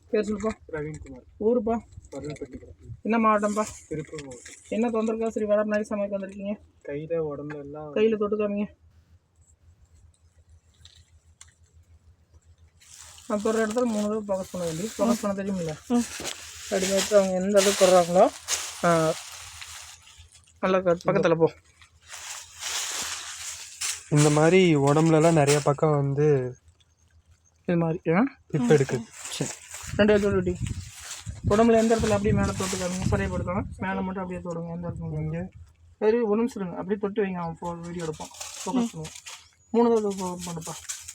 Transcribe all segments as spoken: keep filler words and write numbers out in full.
பேர் சொல்லுப்பா. பிரவீன்குமார். ஊருப்பா? வரல்பட்டி. என்ன மாவட்டம்ப்பா? திருப்பூர் மாவட்டம். என்ன தொந்தரக்கா சரி வர நாளைக்கு சமைக்க வந்திருக்கீங்க? கையில் உடம்புல எல்லாம் கையில் தொட்டுக்காமீங்க. நான் தொடுற இடத்துல மூணு தடவை ஃபோக்கஸ் பண்ண வேண்டி ஃபோக்கஸ் பண்ண தெரியுமில்ல? அப்படி பார்த்து அவங்க எந்த அளவுக்கு வர்றாங்களோ நல்லா பக்கத்தில் போ. இந்த மாதிரி உடம்புலலாம் நிறைய பக்கம் வந்து இது மாதிரி இப்போ எடுக்குது. சரி, ரெண்டு இடத்துல விட்டி உடம்புல எந்த இடத்துல அப்படியே மேலே தொட்டுக்காமீங்க. சரிப்படுத்தணும். மேலே மட்டும் அப்படியே தொடுங்க. எந்த இடத்துல இங்கே சரி ஒரு நிமிஷம் இருங்க. அப்படியே தொட்டு வைங்க. அவன் போ வீடியோ எடுப்போம். ஃபோக்கஸ் பண்ணுவோம். மூணு தடவை ஃபோக்கஸ் பண்ணுப்பா.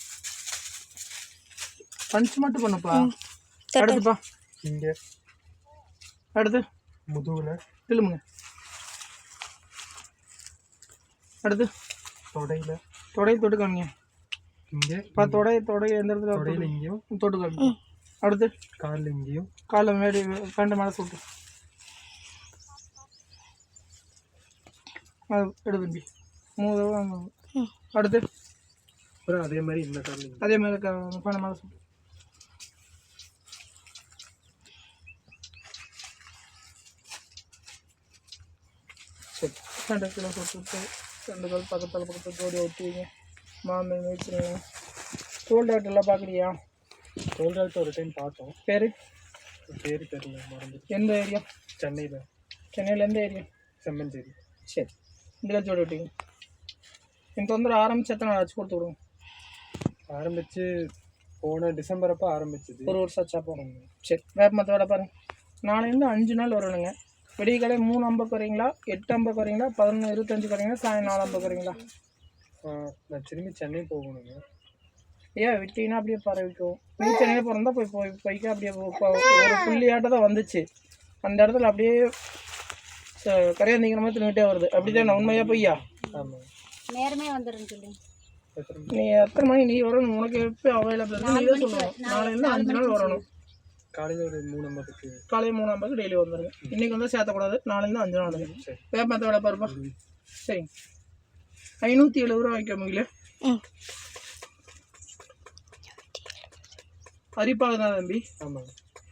பஞ்ச் மட்டும் பண்ணுப்பா. அடுத்துப்பா இங்கே அடுத்து முதுகில் திரும்புங்க. அடுத்து தொடையில் தொடை தொட்டு காமிங்க. இங்கே இப்போ தொடை தொடை எந்த இடத்துல தொடையில் இங்கேயும் தொட்டு காமிங்க. அடுத்து காலில் இங்கேயும் காலை மேடி கண்ட மேலே சுட்டு எடு தம்பி. மூணு தடவை. அடுத்து அப்புறம் அதே மாதிரி இந்த காலில் அதே மாதிரி கண்ட மேலே சுட்டு சரி. ரெண்டு கிலோ சுட்டு ரெண்டு கால் பக்கத்தில் பக்கத்தில் ஜோடி ஒட்டிங்க. மாமே வச்சுருங்க. ஸ்கூல் டாக்டர்லாம் பார்க்குறியா? ஸ்கூல் டாக்டர் ஒரு டைம் பார்த்தோம். பேர் பேர் தெரியல, மறந்து. எந்த ஏரியா? சென்னையில். சென்னையில் எந்த ஏரியா? செம்மஞ்சேரி. சரி, இந்த கால் ஜோடி ஒட்டிங்க. என் தொந்தரவு ஆரம்பிச்சு எத்தனை நாள் ஆச்சு? கொடுத்து விடுங்க. ஆரம்பித்து போன டிசம்பர் அப்போ ஆரம்பிச்சது. ஒரு வருஷம் ஆச்சா போகிறோங்க. சரி, வேப்ப மற்ற வேலை பாருங்கள். நாளையிலேருந்து அஞ்சு நாள் வரணுங்க. விடிய காலை மூணு ஐம்பக்கு வரீங்களா, எட்டு ஐம்பக்கு வரீங்களா, பதினொன்று இருபத்தஞ்சுக்கு வரீங்களா, சாயங்காலம் நாலு ஐம்பக்கு வரீங்களா? நான் திரும்பி சென்னை போகணுங்க. ஏன் விட்டீங்கன்னா அப்படியே பரவிக்கும். நீ சென்னையில் பிறந்தா போய் போய் போய்க்க. அப்படியே ஒரு புள்ளியாட்ட தான் வந்துச்சு. அந்த இடத்துல அப்படியே கரையாந்திங்கிற மாதிரி தின்னுகிட்டே வருது. அப்படி தான் உண்மையாக பொய்யா? ஆமாம், நேரமே வந்துடுன்னு சொல்லி. நீ எத்தனை மணி நீ வரணும்? உனக்கு எப்போ அவைலபிள் இருக்கு நீ தான் சொல்லணும். நாளையிலேருந்து அஞ்சு நாள் வரணும். காலையில் ஒரு மூணு ஐம்பதுக்கு காலையில் மூணு ஐம்பதுக்கு டெய்லி வந்துடுங்க. இன்றைக்கி வந்து சேர்த்தக்கூடாது. நாளையிலேருந்து அஞ்சு நாள் வந்துடுங்க. வேப்பத்தை விட பாருப்பா. சரிங்க, ஐநூற்றி எழுபது ரூபா வைக்க முடியல. அரிப்பாக தான் தம்பி. ஆமாங்க.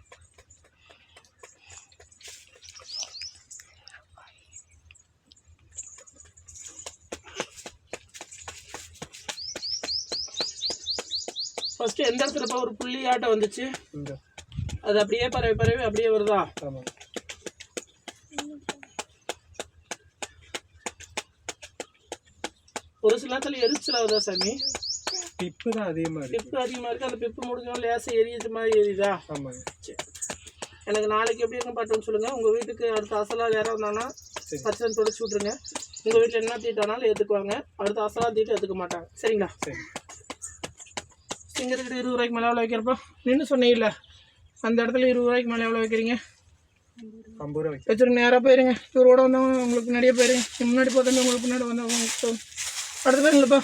ஃபஸ்ட்டு எந்த இடத்துல இப்போ ஒரு புள்ளி ஆட்டம் வந்துச்சு? இந்த அது அப்படியே பரவி பரவி அப்படியே வருதா? ஆமாம். ஒரு சில நேரத்தில் எரிச்சல் ஆகுதா சாமி? பிப்பு தான் அதிகமாக இருக்குது. பிப்பு அதிகமாக இருக்குது. அந்த பிப்பு முடிஞ்சோம் லேசாக எரியுது மாதிரி எரியுதா? ஆமாங்க. சரி, எனக்கு நாளைக்கு எப்படி இருக்கும் பாட்டுன்னு சொல்லுங்கள். உங்கள் வீட்டுக்கு அடுத்த அசலாக யாராவது இருந்தாங்கன்னா பச்சை தொடச்சி விட்ருங்க. உங்கள் வீட்டில் என்ன தீட்டானாலும் ஏற்றுக்குவாங்க. அடுத்த அசலாக தீட்டு ஏற்றுக்க மாட்டாங்க. சரிங்களா? சரி. சிங்கத்துக்கிட்ட இருபது ரூபாய்க்கு மேலே எவ்வளோ வைக்கிறப்போ நின்று சொன்னீங்கல்ல, அந்த இடத்துல இருபது ரூபாய்க்கு மேலே எவ்வளோ வைக்கிறீங்க? ஐம்பது ரூபா வைக்க வச்சுருங்க. நேராக போயிருங்க. இவரோட வந்தவங்க உங்களுக்கு முன்னாடியே போயிருங்க. முன்னாடி பார்த்தோன்னே உங்களுக்கு முன்னாடி வந்தவங்க அடுத்த பேர் இல்லைப்பா.